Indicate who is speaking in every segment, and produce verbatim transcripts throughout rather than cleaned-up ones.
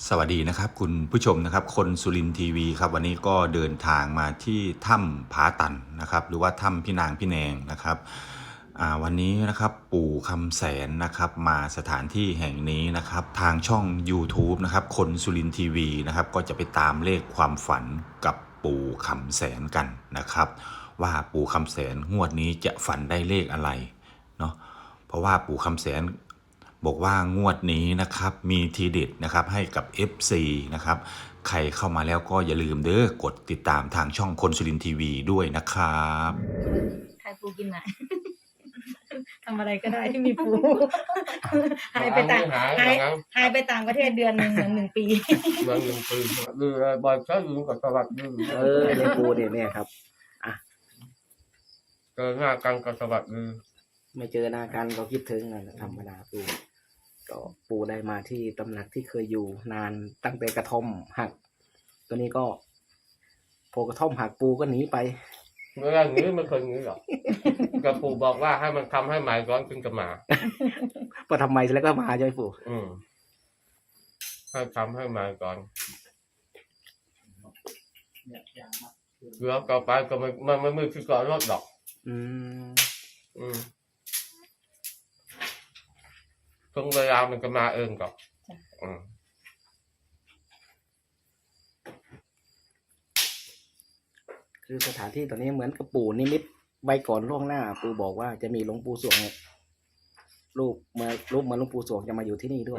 Speaker 1: สวัสดีนะครับคุณผู้ชมนะครับคนสุรินทร์ทีวีครับวันนี้ก็เดินทางมาที่ถ้ำผาตันนะครับหรือว่าถ้ำพี่นางพี่แนงนะครับวันนี้นะครับปู่คำแสนนะครับมาสถานที่แห่งนี้นะครับทางช่อง ยูทูบ นะครับคนสุรินทร์ทีวีนะครับก็จะไปตามเลขความฝันกับปู่คำแสนกันนะครับว่าปู่คำแสนงวดนี้จะฝันได้เลขอะไรเนาะเพราะว่าปู่คำแสนบอกว่างวดนี้นะครับมีทีเด็ดนะครับให้กับ เอฟ ซี นะครับใครเข้ามาแล้วก็อย่าลืมเด้อกดติดตามทางช่องคนสุรินทร์ทีวีด้วยนะครับ
Speaker 2: ใครปูกินไหนทำอะไรก็ได้ที่มีปูหายไปต่างหายหายไปต่างประเทศเดือนหนึ่งเหมือนหนึ่งปี
Speaker 3: เดือนหนึ่งปีดูบอยใช้ยืมกับสวัสดิ์ยื
Speaker 4: เออในปูเนี่ยเนี่ยครับอ่ะ
Speaker 3: เจอหน้ากันกับสวัสดิ์ยื
Speaker 4: ไม่เจอหน้ากันก็คิดถึงนะธรรมดาปูก็ปูได้มาที่ตำหนักที่เคยอยู่นานตั้งแต่กระท่อมหักตัวนี้ก็พอกระท่อมหักปูก็หนีไป
Speaker 3: เมื่อไรนี้ไม่เคยหนีหรอกกับปู่บอกว่าให้มันทำให้หมายร้อนจึงจะมา
Speaker 4: พอทำไมแล้วก็มาใช่ไหมปู่
Speaker 3: อืมให้ทำให้หมายก่อนแล้วต่อไปก็ไม่ไม่ไม่ไม่คือก่อนรถดอกอืมอืมตรงเวลามันก็มาเองก่อนอืม
Speaker 4: คือสถานที่ตอนนี้เหมือนกับปู่นิมิตใบก่อนล่วงหน้าปู่บอกว่าจะมีหลวงปู่สวงรูปเมื่อรูปเหมือนหลวงปู่สวงจะมาอยู่ที่นี่ด้วย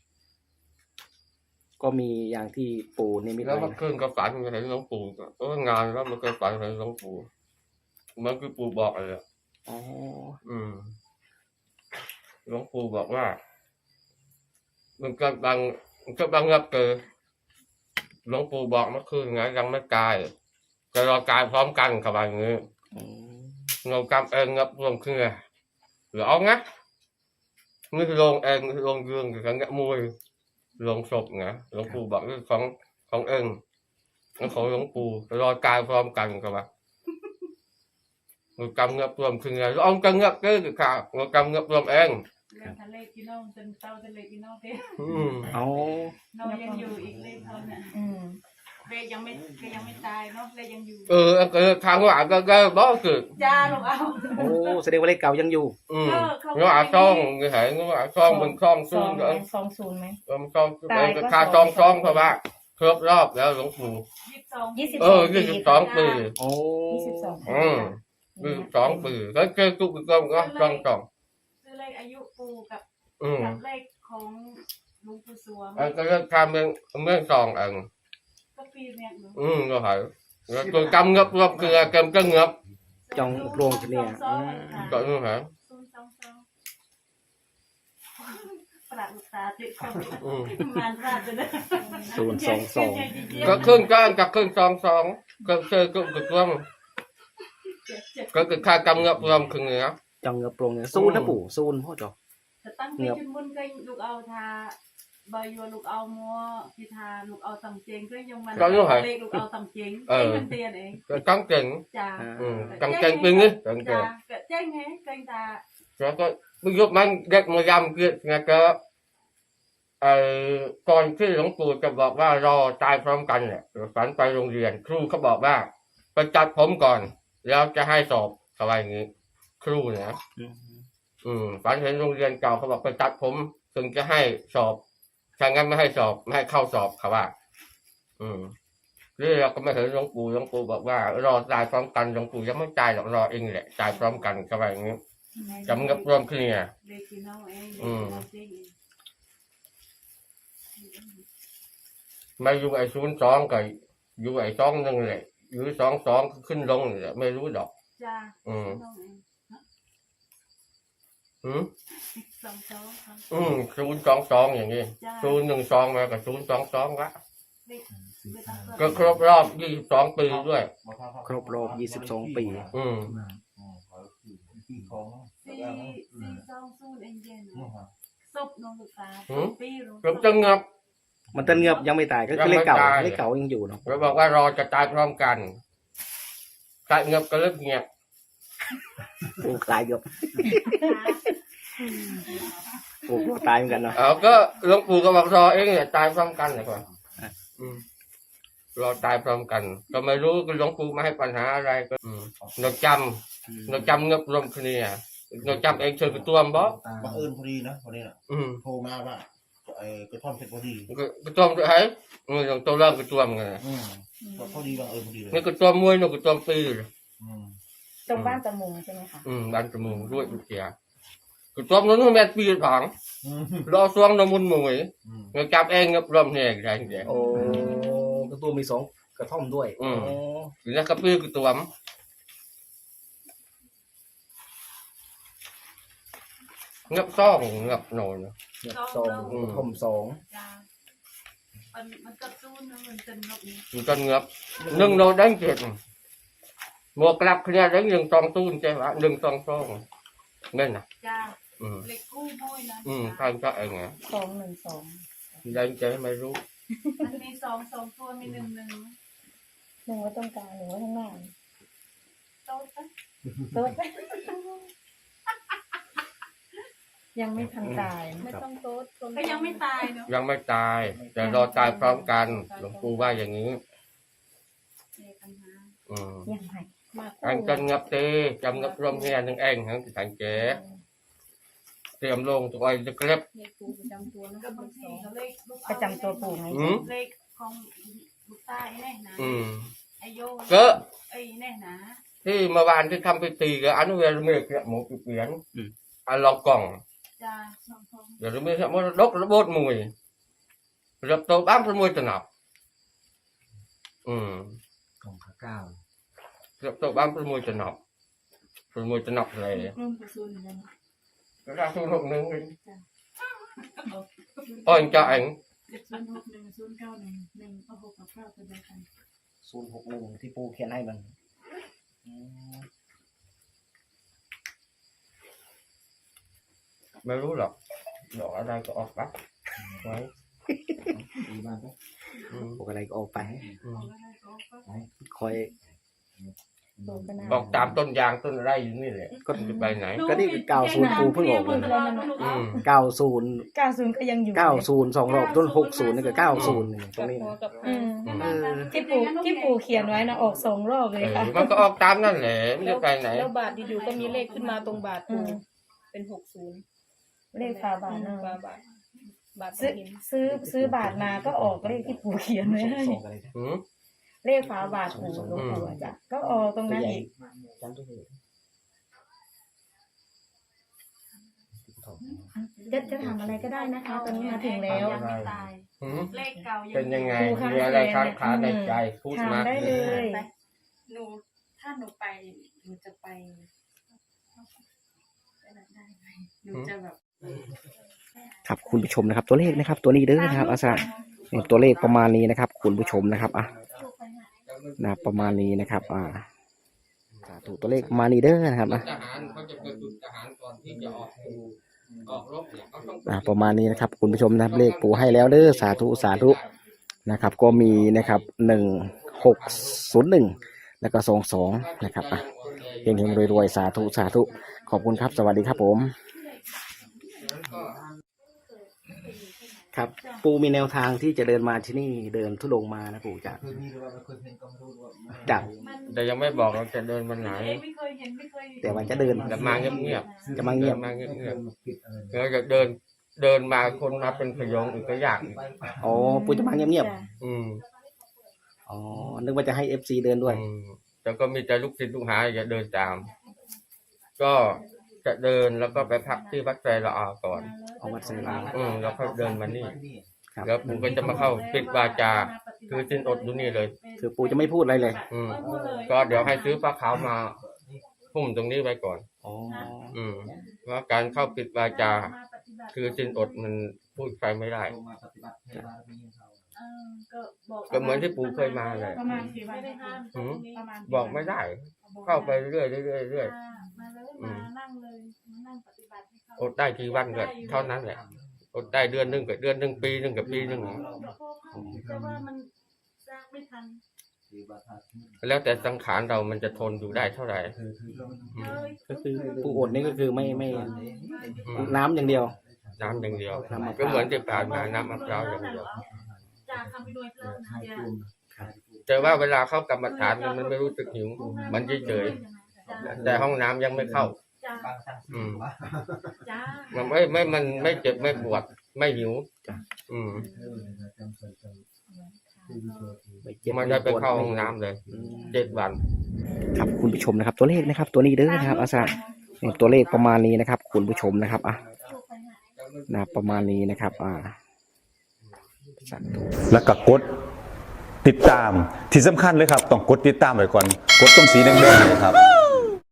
Speaker 4: ก็มีอย่างที่ปู่นิมิต
Speaker 3: แล้วเมื่อคืนก็ฝันเห็นหลวงปู่ก็งานแล้วมันก็ฝันเห็นหลวงปู่มันคือปู่บอกอะไรอ่ะอ๋ออืมหลวงปู่บอกว่ามันก็บังมันก็บังรับเกิดหลวงปู่บอกเมื่อคืนไงยังไม่กายจะรอกายพร้อมกันกับอะไรเงี้ยเงากำเองงับรวมขึ้นไงหรือเอางั้นนี่ลงเองลงเรื่องกับกันเงี้ยมวยลงศพไงหลวงปู่บอกเรื่องของของเองแล้วของหลวงปู่รอกายพร้อมกันกับว่าเงากำเงียบรวมขึ้นไงเอากำเงียบก็คือข่าวเงากำเงียบรวมเอง
Speaker 2: ทะเลกินน้องจนเต้าทะเลกินน้องเด้
Speaker 4: เอา
Speaker 2: น้องยังอยู่อีกเลขเขาเนี่ยเลขยังไม่ก็ยังไม่ตายเนาะเลขยังอยู่
Speaker 3: เออก็ทางว่าก็ก็บ่คือ
Speaker 2: จ้าลูกเอา
Speaker 4: โอ้แสดงว่าเลขเก่ายังอยู่
Speaker 3: อืมเงาอาซ่องเงาหายเงาอาซ่องมันซ่องซูนย์
Speaker 2: ก็ซองซูนย์ไหม
Speaker 3: เออซ่องเองก็ค่าซ่องซ่องเพราะว่าครบรอบแล้วหลวงปู่
Speaker 2: ยี่สิบ
Speaker 3: เออยี่สิบสองปี
Speaker 4: โอ้
Speaker 2: ยี่สิบสอง
Speaker 3: อืมยี่สิบสองปีแล้วเจอตุ๊กก็ก็ซ่องซ่อง
Speaker 2: คือเลขอายุปู่กับกับเลขของหลวงปู่สวง
Speaker 3: เออก็เรื่องทำเรื่องเรื่องซองเองอืมก็หายแล้วตัวกำเงบรอบคือเกมก็เงบ
Speaker 4: จองโปร่งเนี่ย
Speaker 3: ก็นี่ฮะ
Speaker 2: ประลูกตาติดคนมันราดเลย
Speaker 4: ศูนย์สองสอง
Speaker 3: ก็ขึ้นก้านกับขึ้นสองสองก็เจอก็กึกร่วมก็คือค่ากำเงบรวมคือเงี้ย
Speaker 4: จองเงบโปร่งเนี่ยซูนนะปู่ซูนพ่อจอ
Speaker 2: จะตั้งเป็นจุดมุ่นก็ลูกเอาทาบายัวลูกเอามัวพิธาลูกเอาตำเจงก็ยังมันเล็กลูกเอาตำเจงเองมันเตียนเอง
Speaker 3: ก็กังเก่ง
Speaker 2: จ้า
Speaker 3: กังเก่งเป็นไงกังเก่ง
Speaker 2: เจ๊งไงเก่งตา
Speaker 3: แล้วก็ประยุกต์มันเด็กมายำเกิดไงก็ไอ้ก่อนที่หลวงปู่จะบอกว่ารอตายพร้อมกันเนี่ยฝันไปโรงเรียนครูเขาบอกว่าไปจัดผมก่อนแล้วจะให้สอบอะไรอย่างนี้ครูนะอืมฝันเห็นโรงเรียนเก่าเขาบอกไปจัดผมถึงจะให้สอบถ้างั้นไม่ให้สอบไม่ให้เข้าสอบครับว่าอืมเรื่องเราก็ไม่เห็นหลวงปู่หลวงปู่บอกว่ารอตายพร้อมกันหลวงปู่ยังไม่ตายหรอกรอเองแหละตายพร้อมกันครับอย่างนี้จำกับรวมขึ้นเนี่ยอืมไม่อยู่ไอ้ศูนย์สองกับอยู่ไอ้สองนึงแหละอยู่สองสองขึ้นลงเนี่ยไม่รู้ดอก
Speaker 2: จ้า
Speaker 3: อืมอืม
Speaker 2: สองสอง
Speaker 3: อืมศูนย์สองสองอย่างนี้ศูนย์หนึ่งสองมากับศูนย์สองสองละก็ครบรอบยี่สิบสองปีด้วย
Speaker 4: ครบรอบยี่สิบสองปี
Speaker 3: อืม
Speaker 2: สี่สี่สองศูนย์เองเย็นศพน้องลูกตาปีรู้
Speaker 3: ก็จะเงียบ
Speaker 4: มันจะเงียบยังไม่ตายก็เลขเก่าเลขเก่ายังอยู่เนาะ
Speaker 3: เราบอกว่ารอจะตายพร้อมกันตายเงียบก็เลิกเงียบ
Speaker 4: ปูคลายเงียบปูปู่กลัวตายเหมือนกันเนาะ
Speaker 3: เอาก็หลวงปู่ก็บอกรอเองเนี่ยตายพร้อมกันเลยก่อนอืมรอตายพร้อมกัน ก็ไม่รู้หลวงปู่มาให้ปัญหาอะไรก็อืมเราจำเราจำเงบรวมคืนนี้เราจำเองเชิญกระตุ้มบ่
Speaker 5: บังเอิญพอดีนะวันนี้น่ะ
Speaker 3: อืม
Speaker 5: โทรมาว่าไอ้กระท่อมเพชรพอดี
Speaker 3: ก็กระตุ้มไอ้อืมตัวเริ่มกระตุ้มไง
Speaker 5: อืมก็พอดีบังเอิญพอดีเลย
Speaker 3: นี่กระตุ้มมวยนี่กระตุ้มปีเลย
Speaker 5: อืม
Speaker 6: ตรงบ้านตะมุงใช่ไหมคะ
Speaker 3: อืมบ้านจมูกด้วยอุจจาระกระตุ้มนั้นแม่ปีถัง
Speaker 5: อืม
Speaker 3: รอช่วงน้ำมันมวย
Speaker 5: อืม
Speaker 3: เราจับเองเงบรวมเนี่ยอะไรอย่างเงี้ย
Speaker 4: โอ้กระตัวมีสองกระท่อมด้วย
Speaker 3: อืม
Speaker 4: โอ้
Speaker 3: ทีนี้กระปี้กระตุ้มเงบซ่องเงบโนน
Speaker 4: เนี่ยสองกระท่อมสอง
Speaker 2: จ้ามันมันกระตุ้นนะมันเป็นแบบนี้
Speaker 3: มันก็เงบหนึ่งโนđánh chết một cặp kia đánhหนึ่งสองตูนใช่ไหมหนึ่งสองสองนั่นน่ะ
Speaker 2: จ้า
Speaker 3: อืม
Speaker 2: เล็กกู้มวยนะ
Speaker 3: อืมทางก็เองไง
Speaker 6: สองหนึ่งสอง
Speaker 3: đánh chếtไม่รู้
Speaker 2: มันมีสองสองตัวมีหนึ่งหนึ่ง
Speaker 6: หนึ่งไว้ตรงกลางหนึ่งไว้ข้างหน้า
Speaker 2: โต๊ะปะ
Speaker 6: โต๊ะยังไม่ทันตาย
Speaker 2: ไม่ต้องโต๊ะก็ยังไม่ตายเนาะ
Speaker 3: ยังไม่ตาย แต่รอตายพร้อมกันหลวงปู่ว่าอย่างนี้
Speaker 2: มีปัญหา
Speaker 3: อืม
Speaker 6: ยังไงมา
Speaker 3: anh cần ngập tê chăm ngập rôm nghe nhưng anh hẳn thì thành chế tiệm luôn tụi anh được clip
Speaker 2: เลขกูประจำตัวนะก็บางทีก็เลขลูก
Speaker 6: ประจำตัวปู่ไง
Speaker 3: อืม
Speaker 2: เลขของลูกตาไอ้แน่นะ
Speaker 3: ừ
Speaker 2: ไอโย
Speaker 3: cớ
Speaker 2: ไอ้แน่นะ
Speaker 3: thì mà bạn thì thăm cái tì cái anh về mới cái một cái biển anh lọc còng
Speaker 2: จ้าสองสอง
Speaker 3: rồi mới mới đốt nó bốt mùi rồi tôi bám cái mùi từ nọc ừ
Speaker 5: กล่องขาเก้า
Speaker 3: rồi tôi bám cái mùi từ nọc rồi mùi từ nọc này
Speaker 2: รุ่นกระสุนเหมือนกัน
Speaker 3: cái ra xuống hộp nướng đi ôi anh cho anh
Speaker 2: เจ็ดศูนย์หกหนึ่งศูนย์เก้าหนึ่งหนึ่งเอาหกกับเก้าตัวเดียวกัน
Speaker 4: ศูนย์หกหนึ่งที่ปู่เขียนให้มันอืม
Speaker 3: ไม่รู้หรอกดอกอะไรก็ออกปะไว้
Speaker 5: ดีมากนะ
Speaker 3: อืม
Speaker 4: บอกอะไรก็ออกไป
Speaker 3: อืม
Speaker 2: เอาอะไรก็เอาไป
Speaker 4: คอย
Speaker 6: ปู่ก็น่า
Speaker 3: บอกตามต้นยางต้นอะไรอยู่นี่แหละก็จะไปไหน
Speaker 4: ก็นี่คือเก้าศูนย์ปู่เพิ่งออกเลย
Speaker 3: อืม
Speaker 4: เก้าศูนย์
Speaker 6: เก้าศูนย์ก็ยังอยู่
Speaker 4: เก้าศูนย์สองรอบต้นหกศูนย์นี่ก็เก้าศูนย์ตรงนี้นะ
Speaker 6: อืม
Speaker 4: เออ
Speaker 6: ที่ปู่ที่ปู่เขียนไว้นะออกสองรอบเลย
Speaker 3: เออ
Speaker 6: ค่ะ
Speaker 3: มันก็ออกตามนั่นแหละไม่จะไปไหน
Speaker 7: แล้วบาทอยู่ๆก็มีเลขขึ้นมาตรงบาท
Speaker 6: อื
Speaker 7: ปู
Speaker 6: ม
Speaker 7: เป็นหกศูนย์
Speaker 6: เลขฝาบาทเนอะ
Speaker 7: บาทบาทบาท
Speaker 6: ซื้อ
Speaker 7: หิน
Speaker 6: ซื้อซื้อบาทมาก็ออกเลขที่ปู่เขียนไว้ให้
Speaker 4: สองอะไรนะ
Speaker 3: อืม
Speaker 6: เลขฝาบาทปู่หลวงปู่อะจ้ะก็ออกตรง
Speaker 4: ตัว
Speaker 6: นั้น
Speaker 4: ใหญ่
Speaker 6: อีก
Speaker 4: จำตัวใหญ่
Speaker 6: จะจะทำอะไรก็ได้นะคะ ตอนนี้มาถึงแล้ว
Speaker 2: ยังไม่ตาย
Speaker 3: อืม
Speaker 2: เลขเก่ายัง
Speaker 3: เป็นยังไง
Speaker 6: ครูคะ
Speaker 3: มีอะไรค้างคาในใจพูดมา
Speaker 6: ถามได้เลย
Speaker 7: หนูถ้าหนูไปหนูจะไปไปไหนได้ไหมหนูจะแบบ
Speaker 4: ครับคุณผู้ชมนะครับ ตัวเลขนะครับ ตัวนี้เด้อนะครับอาสาเนี่ยตัวเลขประมาณนี้นะครับ คุณผู้ชมนะครับอ่ะนะประมาณนี้นะครับ อ่าสาธุตัวเลขประมาณนี้เด้อนะครับอ่ะ
Speaker 3: ทหารเขาจะไปฝึกทหารก่อนที่จะออกออกรบเนี่ยเขาต้อง
Speaker 4: อ่าประมาณนี้นะครับ คุณผู้ชมนะครับเลขปู่ให้แล้วเด้อสาธุสาธุนะครับ ก็มีนะครับหนึ่งหกศูนย์หนึ่งแล้วก็สองสองนะครับอ่ะเฮงเฮงรวยๆสาธุสาธุขอบคุณครับ สวัสดีครับผม ครับ ปู่มีแนวทางที่จะเดินมาที่นี่เดินทุดงค์มานะปู่จะ
Speaker 5: เคยมีหรือว่าไม่เคยเห็นก็ไม่รู้ว่ามัน
Speaker 4: จับ
Speaker 2: มัน
Speaker 3: แต่ยังไม่บอกเราจะเดินวันไหน
Speaker 2: เองไม่เคยเห็นไม่เคย
Speaker 4: แต่วันจะเดิน
Speaker 3: จะมาเงียบ
Speaker 4: จะมา
Speaker 3: ๆ
Speaker 4: เงียบ
Speaker 3: ดินมาเงียบ
Speaker 5: ผิดอะไร
Speaker 3: ๆเราจะเดินเดินมาคนมาเป็นขยงอีกก็ยากอีก
Speaker 4: อ๋อปู่จะมาเงียบ
Speaker 6: จ้ะ
Speaker 3: อืม
Speaker 4: ๆอ๋อนึกว่าจะให้เอฟซีเดินด้วย
Speaker 3: อืมแต่ก็มีแต่ลูกศิษย์ลูกหาจะเดินตาม ก็จะเดินแล้วก็ไปพักที่วัดไตรละอาก่อน
Speaker 4: เอาวัดไซลา
Speaker 3: อืมแล้วก็เดินมานี่
Speaker 4: ครับ
Speaker 3: แล้วผมก็จะมาเข้าปิดวาจา คือสิ้นอดอยู่นี่เลย
Speaker 4: คือปู่จะไม่พูดอะไรเลย
Speaker 3: อืมก็เดี๋ยวให้ซื้อผ้าขาวมาพุ่มตรงนี้ไว้ก่อน
Speaker 4: อ๋อ
Speaker 3: อืมเพราะการเข้าปิดวาจา คือสิ้นอดมันพูดใครไม่ได้
Speaker 5: มาปฏิบัติให้บารมีเขา
Speaker 2: เออก็บอก
Speaker 3: ก็เหมือนที่ปู่เคยมาเลย
Speaker 2: ประมาณกี่วันไม่ได้ห้าม
Speaker 3: อืม
Speaker 2: ประมาณ
Speaker 3: บอกไม่ได้ เข้าไปเรื่อยๆเรื่อยๆเรื่อย
Speaker 2: มาเลยมานั่งเลยมานั่งปฏิบัติให้เขา
Speaker 3: ๆอดได้กี่วันก็เท่านั้นแหละอดได้เดือนหนึ่งกับเดือนหนึ่งปีหนึ่งกับปีหนึ่ง
Speaker 2: แต่ว่ามันสร้างไม่ทัน
Speaker 5: ปฏิบัติธรรม
Speaker 3: แล้วแต่สังขารเรามันจะทนอยู่ได้เท่าไหร่
Speaker 5: คือคือเรา
Speaker 3: อืม
Speaker 2: เลย
Speaker 4: ก็คือปู่อดนี่ก็คือไม่ไม่
Speaker 3: อืม
Speaker 4: น้ำอย่างเดียว
Speaker 3: น้ำอย่างเดียว
Speaker 4: น้ำมะพ
Speaker 3: ก็
Speaker 4: ร้าว
Speaker 3: เหมือนที่ผ่านมาน้ำมะพร้าวอย่างเดียว
Speaker 2: จ้าคำไปด้วยเพิ่มนะเดี๋ยว
Speaker 3: แต่ว่าเวลาเข้ากรรมฐานมันไม่รู้สึกหิวมันเฉยๆแต่ห้องน้ำยังไม่เข้า
Speaker 2: จ้า
Speaker 5: บางสัง
Speaker 3: อืม
Speaker 2: จ้า
Speaker 3: มันไม่ไม่มันไม่เจ็บไม่ปวดไม่หิว
Speaker 4: จ้ะ
Speaker 3: อืม
Speaker 4: ไม่เจ็บ
Speaker 3: มันจะไป
Speaker 4: ปวด
Speaker 3: เข้าห้องน้ำเลย
Speaker 4: อืม
Speaker 3: เจ็ดวัน
Speaker 4: ครับคุณผู้ชมนะครับ ตัวเลขนะครับ ตัวนี้เด้อนะครับอาสาเนี่ยตัวเลขประมาณนี้นะครับ คุณผู้ชมนะครับอ่ะนะประมาณนี้นะครับ อ่าสาธุ
Speaker 1: แล้วก็กดติดตามที่สำคัญเลยครับ ต้องกดติดตามไว้ก่อน กดตรงสีแดงๆเลยครับ